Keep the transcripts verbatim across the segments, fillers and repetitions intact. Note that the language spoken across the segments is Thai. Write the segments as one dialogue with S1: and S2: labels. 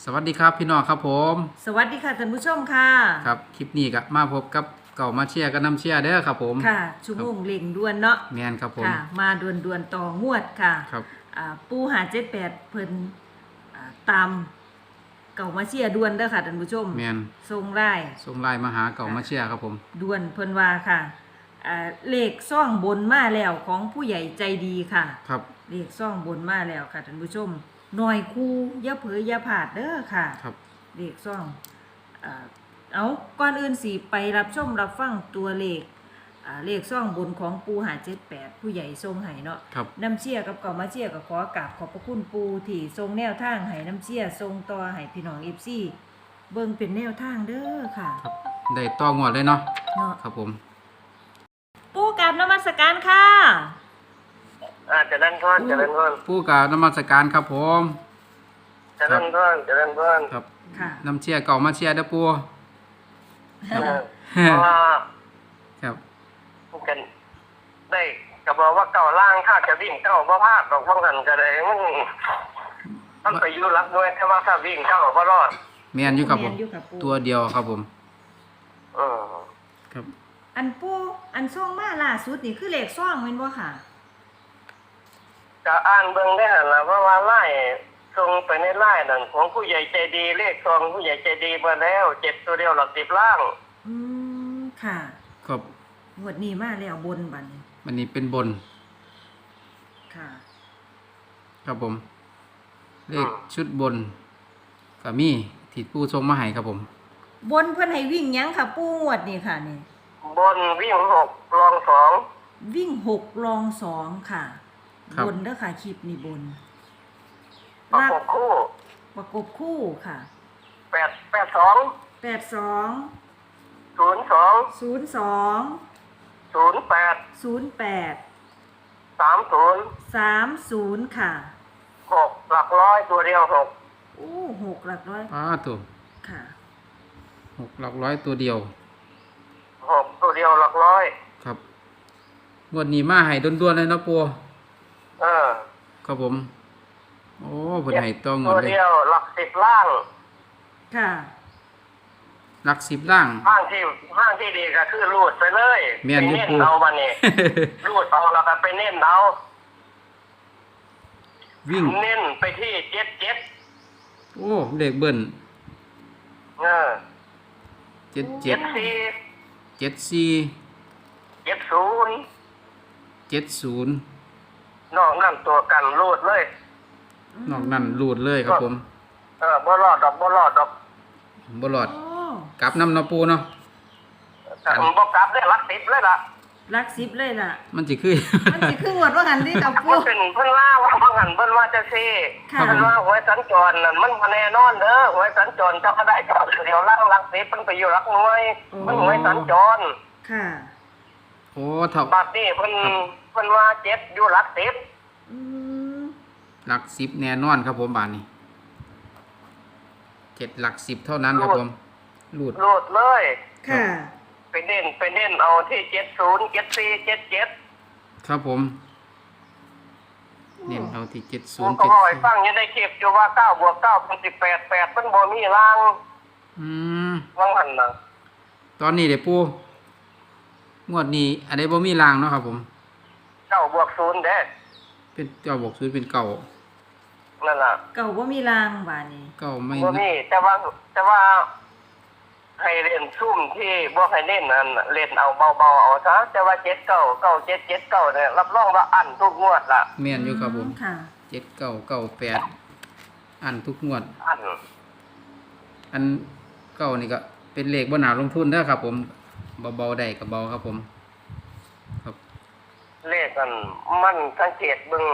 S1: สวัสดีครับพี่น้องครับผม
S2: สวัสดีค่ะท่านผู้ชมค่ะ
S1: ครับคลิปนี้ก็มาพบกับเก่ามาเชียร์กับน้ำเชียร์เด้อครับผม
S2: ค่ะชั่วโมงเล่งด่วนเนาะ
S1: แมนครับผม
S2: ค่ะมาด่วนด่วนต่องวดค่ะ
S1: ครับ
S2: อ่าปูหาเจ็ดแปดเพิ่นอ่าตามเก่ามาเชียร์ด่วนเด้อค่ะท่านผู้ชม
S1: แมน
S2: ทรงไล่
S1: ส่งไลน์มาหาเก่ามาเชียร์ครับผม
S2: ด่วนเพิ่นว่าค่ะอ่าเลขซ่องบนมาแล้วของผู้ใหญ่ใจดีค่ะ
S1: ครับ
S2: เลขซ่องบนมาแล้วค่ะท่านผู้ชมหน่อยคู่อย่าเผลออย่าพลาดเด้อค่ะ
S1: ครับ
S2: เลขซ่องอ่าเอาก่อนอื่นสิไปรับชมรับฟังตัวเลขอ่าเลขซ่องบนของปูหาเจ็ดแปดผู้ใหญ่ทรงไห้เนาะน้ำเชี่ยกับเก่ามาเชี่ยกับขอกราบขอบพระคุณปูที่ทรงแนวทางไห้น้ำเชี่ยทรงต่อไห้พี่น้องเอฟซีเบิ่งเป็นแนวทางเด้อค่ะ
S1: ครับได้ต่องวดเลยเนาะ
S2: เนาะ
S1: ครับผม
S2: ปูกราบนมัสการค่ะ
S3: อ่าเจริญพรเจริญพร
S1: ผู้กล่าวนมัสการครับผม
S3: เจริญพรเจริญพร
S1: ครับ
S2: ค่ะ
S1: น้ำเชียร์เก่ามาเชียร์เด้อปู
S3: เออเพราะว่า
S1: ครับ
S3: กันได้ก็บอกว่าเก่าล่างถ้าจะวิ่งเก่าบ่พลาดดอกบ่หันก็ได้มันมันไปอยู่รักด้วยแต่ว่าถ้าวิ่งเก่าบ่รอด
S1: แมนอยู่ครับผม
S2: แม่นอยู่ค่ะปู
S1: ตัวเดียวครับผม
S3: เออ
S1: ครับ
S2: อันปูอันซ่องมาล่าสุดนี่คือเลขซ่องแม่นบ่ค่ะ
S3: จะอ่านเบิ่งได้หั่นล่ะเพราะว่าไล่ส่งไปในไล่นั่นของผู้ใหญ่ใจดีเลขซองผู้ใหญ่ใจดีมาแล้วเจ็ดตัวเดียวหลักสิบล่าง
S2: อืมค่ะ
S1: ครับ
S2: งวดนี้มาแล้วบนบัดนี้
S1: วันนี้เป็นบน
S2: ค่ะ
S1: ครับผมเลขชุดบนก็มีที่ผู้ทรงมาให้ครับผม
S2: บนเพิ่นให้วิ่งหยังค่ะปูงวดนี่ค่ะนี่
S3: บนวิ่งหกรองสอง
S2: วิ่งหกรองสองค่ะบนเด้อค่ะคลิปนี่บน
S3: ประกบคู่
S2: ประกบคู่ค่ะ
S3: แปดแปดสอง
S2: แปดสอง
S3: ศูนย์สอง
S2: ศูนย์สอง
S3: ศูนย์แปด
S2: ศูนย์แปด
S3: สามศูนย์
S2: สามศูนย์ค่ะ
S3: หกหลักร้อยตัวเดียวหก
S2: โอ้หกหลักร้อย
S1: อ้าตัว
S2: ค่ะ
S1: หกหลักร้อยตัวเดียว
S3: หกตัวเดียวหลักร้อย
S1: ครับงวดนี้มาให้ด้วนๆเลยเนาะปัว
S3: เออ
S1: ครับผมโอ้เพิ่นให้ต้องหมด
S3: ตัว
S1: เลย
S3: เดียวหลักสิบล่าง
S2: ค่ะ
S1: หลักสิบล่าง
S3: ห้างที่ห้างที่ดีก็คือรูดไปเลย
S1: เมียนยุปู
S3: เอาบันนี้ รูดเอาแล้วก็ไปเน้นเอา
S1: วิ่ง
S3: เน้นไปที่เจ็ดเจ็ด
S1: โอ้เลขเบิ้ล
S3: เออ
S1: เจ็ดเจ็
S3: เจ็
S1: ด
S3: ดสี่
S1: เจ็ดสี่
S3: เจ็ดศูนย์
S1: เจ็ดศูนย์
S3: นอกนั่นตัวกันรูดเลย
S1: นอกนั้นรูดเลยครับผม
S3: เออบ่รอดดอกบ่รอดดอก
S1: บ่รอดกลับน้ำเนาะปูเนาะ
S3: บ่กลับได้หลักสิบเลยล่ะ
S2: หลักสิบเลยล่ะ
S1: มันสิคือ
S2: มันสิคือหมดว่าหันที่กับปู
S3: เป็นเพิ่นว่าว่าบ่หันเพิ่นว่าจะซี่เพิ่นว่าหวยสัญจรนั่นมันบ่แน่นอนเด้อหวยสัญจรเจ้าก็ได้เจ้าเดี๋ยวล่างหลักสิบมันไปอยู่หลักหน่วยมันหวยสัญจร
S2: ค่ะ
S1: โอ้เท่า
S3: บัดนี้เพิ่นเพิ่นว่าเจ็ดอยู่หลักสิบ
S2: อืม
S1: หลักสิบแน่นอนครับผมบาดนี้เจ็ดหลักสิบเท่านั้นครับผมรูด
S3: รูดเลย
S2: ค่ะ
S3: ไปเน้นไปเน้นเอาที่เจ็ดศูนย์เจ็ดสี่เจ็ดเจ็ด
S1: ครับผมเน้นเอาที่เจ็ดศูนย์
S3: เจ็ดสี่ก็ให้ฟังอยู่ในคลิปอยู่ว่าเก้าบวกเก้าเป็นสิบแปดแปดมันบ่มีราง
S1: อืม
S3: ว่างหันน่ะ
S1: ตอนนี้เดี๋ยวปูงวดนี้อันนี้บ่มีรางเนาะครับผม
S3: เก้าบวกศูนย์เด้
S1: เป็นเก้าบวกศูนย์เป็นเก้า
S3: นั่นล่ะ
S2: เก่าบ่มีรางบาดนี้
S1: เก้าไม่
S3: บ่มีแต่ว่าแต่ว่าให้เล่นซุ่มที่บ่ให้เล่นนั่นเล่นเอาเบาๆเอาซะแต่ว่าเจ็ดเก้าเก้าเจ็ดเจ็ดเก้าเนี่ยรับรองว่าอั้นทุกงวดล่ะ
S1: แม่นอยู่ครับผม
S2: ค่ะ
S1: เจ็ดเก้าเก้าแปดอันทุกงวด
S3: อัน
S1: อันเก้านี่ก็เป็นเลขบ่น่าลงทุนเด้อครับผมเบาๆได้ก็เบาครับผมครับ
S3: เลขกันมันสังเกตเบิ่ง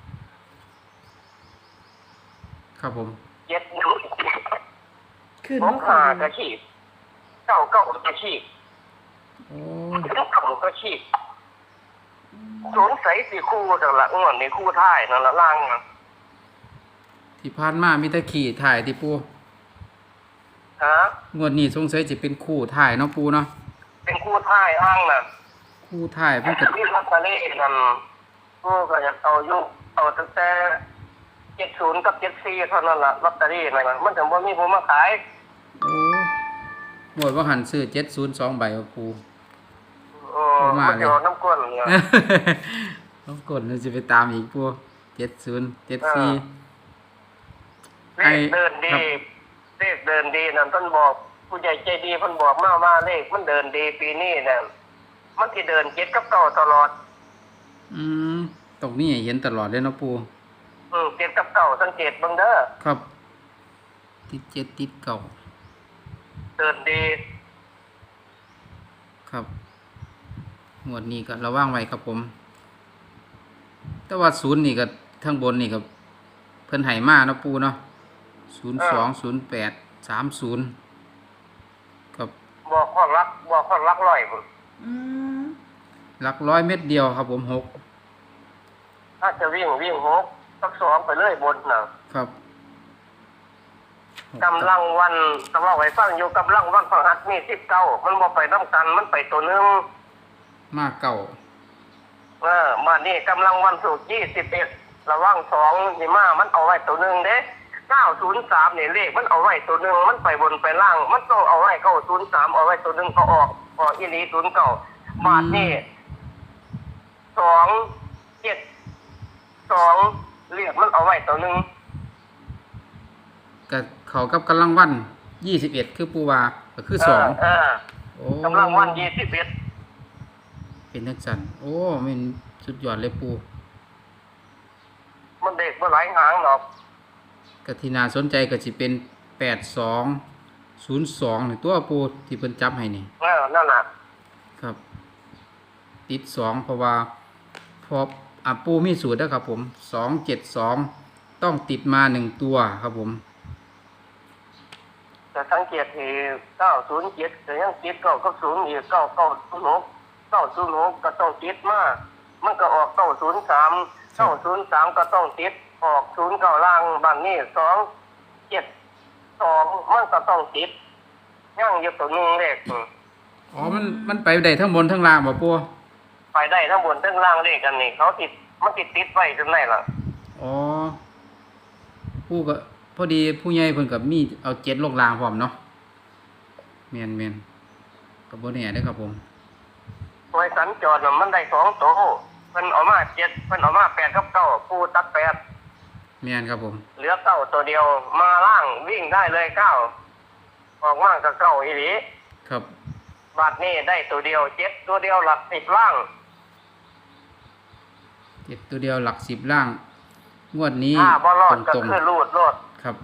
S1: ครับผม
S3: เจ็ดนิ้ว
S2: ขึ้น
S3: บ่ขากระชีพเก้าเก้ากระชีพ
S1: โอ้
S3: เก้ากระชีพสงสัยสิคู่จังละงวดนี้คู่ท้ายนั่นละล่างนะ
S1: ที่ผ่านมามีแต่ขี่ถ่ายที่ปู
S3: ฮะ
S1: งวดนี้สงสัยจะเป็นคู่ถ่ายเนาะปูเนาะ
S3: เป็นคู่ท้ายอ้างน่ะ
S1: คู่ถ่ายเพิ่นก็
S3: ที่ลอตเตอรี่นั่นกูก็อยากเอาอยู่เอาตั้งแต่เจ็ดศูนย์กับเจ็ดสี่เท่านั้นล่ะลอตเตอรี่นั่นน่ะมันถึงบ่มีผู้มาขาย
S1: โอ้หมดว่าหันซื้อเจ็ดศูนย์สองใบว่าปู
S3: โอ้
S1: บ่มา
S3: มัน
S1: เลย
S3: อยู่น้ำก้นเนี่ย
S1: ต้องกดเราจะไปตามอีกปูเจ็ดศูนย์เจ็ดสี่
S3: เลขเดินดีเลขเดินดีนั่นเพิ่นบอกผู้ใหญ่ใจดีเพิ่นบอกมาว่าเลขมันเดินดีปีนี้เนี่ยมันสิเดินเจ็ดกับเก้าตลอด
S1: อืมตรงนี้เห็นตลอดเลยเนาะปู
S3: อืมเจ็ดกับเก้าสังเกตเบิ่งเด้อ
S1: ครับ ติดเจ็ดติดเก่า
S3: เดินดี
S1: ครับหมวดนี้ก็ระว่างไว้ครับผม แต่ว่าศูนย์นี่ก็ทั้งบนนี่ก็เพิ่นไห้มาเนาะปูเนาะศูนย์สองศูนย์แปดสามศูนย์ครับ
S3: บอกข้อรักบอกข้อรักร้อยพุ่น
S2: อืม
S1: หลักร้อยเม็ดเดียวครับผมหก
S3: ถ้าจะวิ่งวิ่งหกสักสองไปเลยบนน่ะ
S1: ครับห
S3: กำลังวันกำลังไว้ฟังอยู่กำลังวันพฤหัสมีสิบเก้ามันบ่ไปน้ำกันมันไปตัวหนึง
S1: มากเก่า
S3: เออมานี่กำลังวันศุกร์ยี่สิบเอ็ดระว่างสองนี่มามันเอาไว้ตัวหนึงเด้เก้าศูนย์สามนี่เลขมันเอาไว้ตัวหนึงมันไปบนไปล่าง มันต้องเอาไว้เก้าศูนย์สามเอาไว้ตัวหนึงก็ออกออกอีหลีศูนย์เก้าบาทนี่สองเจ็ดสองเลขมันเอาไว้ตัวหนึง
S1: กับเขากับกำลังวันยี่สิบเอ็ดคือปูวาก็คือสอง
S3: เออ
S1: โอ้
S3: กำลังวันยี่สิบเอ็ด
S1: เป็นทักสันโอ้มันสุดยอดเลยปู
S3: มันเด็กเมื่อหลายหางหรอก
S1: กะทินาสนใจก็สิเป็นแปดสองศูนย์สองนี่ตัวปูที่เพิ่นจับให้นี่
S3: เออนั่นน่ะ
S1: ครับ ติดสองเพราะว่าพออ่ะปูมีสูตรแล้วครับผมสองเจ็ดสองต้องติดมาหนึ่งตัวครับผม
S3: แต่สังเกตที่เก้าศูนย์เจ็ดแต่ยังติดเก้ากับศูนย์อีกเก้าเก้าศูนย์หกเก้าศูนย์หกก็ต้องติดมามันก็ออกเก้าศูนย์สามเก้าศูนย์สามก็ต้องติดออกศูนย์เก้าล่างบางนี่สองเจ็ดสองมันก็ต้องติดย่างอยู่ตัวหนึงเลข
S1: อ๋อมันมันไปได้ทั้งบนทั้งล่างบ่ปู
S3: ไปได้ทั้งบนทั้งล่างเลขกันนี่เขาติดมันติดติดไว้จนไหนล่ะ
S1: อ๋อปูก็พอดีผู้ใหญ่เพิ่นกับมีเอาเจ็ดลงล่างพร้อมเนาะแม่นแม่นก็บ่แน่เด้อครับผม
S3: ไว้สัญจรน่ะมันได้สองโตวเพิ่นเอามาเจ็ดเพิ่นเอามาแปดกับเก้าปูตัดแปด
S1: แม่นครับผม
S3: เหลือเก้าตัวเดียวมาล่างวิ่งได้เลยเก้าออกมากับเก้าอีหลี
S1: ครับ
S3: บาทนี้ได้ตัวเดียวเจ็ดตัวเดียวหลักสิบล่าง
S1: เจ็ดตัวเดียวหลักสิบล่าง งวดนี้
S3: ถ้าบ่รอดก็
S1: ตรง
S3: คือรูดรอด
S1: ๆครับ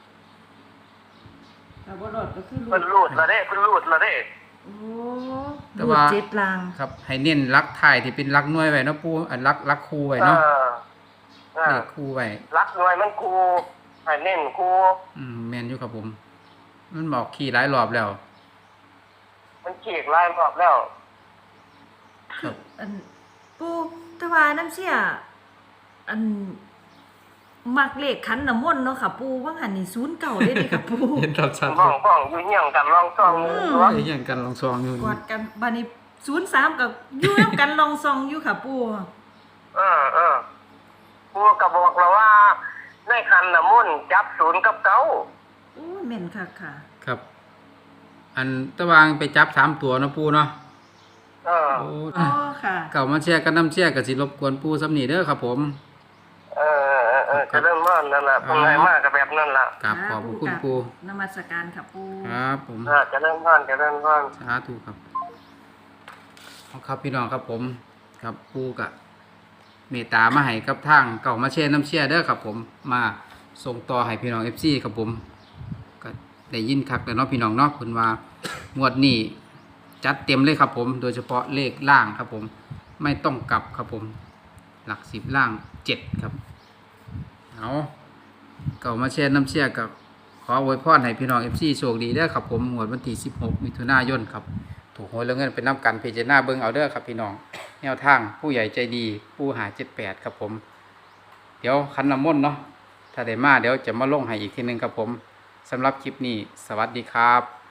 S2: แต่ว่ารถก็คือ
S3: เพิ่นรูดละเด้เพิ่นรูดละเด้
S2: โอ้
S1: แต่
S2: รูด
S1: ว่า
S2: เจ็ดลาง
S1: ครับ ให้เน้นลักถ่ายที่เป็นลักหน่วยไว้เนาะปูอันลักลักคูไว้
S3: เอ
S1: เนาะ
S3: อเอ
S1: เล
S3: อ
S1: ขคูไว้
S3: รักหน่วยมันครูให้เน้นครู
S1: อืมแม่นอยู่ครับผม มันบอกขี่หลายรอบแล้ว
S3: มันเขียกลายรอบแล้ว
S1: ครับ
S2: อันปูแตะวาน้ำเสียอันมักเลขขันน้ำมนต์เนาะค่ะ ปูว่าหันนี่ศูนย์เก่าได้เลยค่ะปู
S1: เห็นชัดชัด
S3: บ้องบ้องอยู่เหี่ยงกันลองซ่อง
S2: อืม
S3: ตัว
S1: ไอ้ยังกันลองซองอยู่
S2: กอดกันบานี้ศูนย์สามกับอยู่น้ำกันลองซองอยู่ค่ะปู
S3: เออเออครูก็บอกเราว่าในคันน่ะมุ่นต์จับศูนย์กับเก้า
S2: โอ้ยแม่นค่ะค่ะ
S1: ครับ อันตะวางไปจับสามตัวเนาะปูเนาะ
S3: เออ
S1: โอ้
S2: อ๋อค่ะ
S1: เก่ามาแชร์กันน้ำแชร์กับสิรบกวนปูสำนีเด้อครับผม
S3: เออเออเออจะเริ่มม่อนนั่นแหละเป็นไงมากกับแบบนั่นแหละ
S1: กราบขอบพระคุณปู
S2: นมัสการค่ะปู
S1: ครับผม
S3: เออจะเริ่มม่อนจะเริ่มม่อน
S1: สาธุครับเอาครับพี่น้องครับผม ครับปูกะเมตตามาให้กับทางเก่ามาแชร์น้ำแชร์เด้อครับผม มาส่งต่อให้พี่น้อง เอฟ ซี ครับผม ก็ได้ยินคักแล้วเนาะพี่น้องเนาะเพิ่นว่างวดนี้จัดเต็มเลยครับผม โดยเฉพาะเลขล่างครับผม ไม่ต้องกลับครับผม หลักสิบล่างเจ็ดครับ เอาเก่ามาแชร์น้ำแชร์กับขออวยพรให้พี่น้อง เอฟ ซี โชคดีเด้อครับผมงวดวันที่สิบหกมิถุนายนครับ ถูกหวยแล้วเงินเป็นน้ำกันเพจหน้าเบิ้งเอาเด้อครับพี่น้อง แนวทางผู้ใหญ่ใจดีผู้หาเจ็ดแปดครับผม เดี๋ยวคันน้ำมนต์เนาะถ้าได้มาเดี๋ยวจะมาลงให้อีกทีหนึงครับผมสำหรับคลิปนี้สวัสดีครับ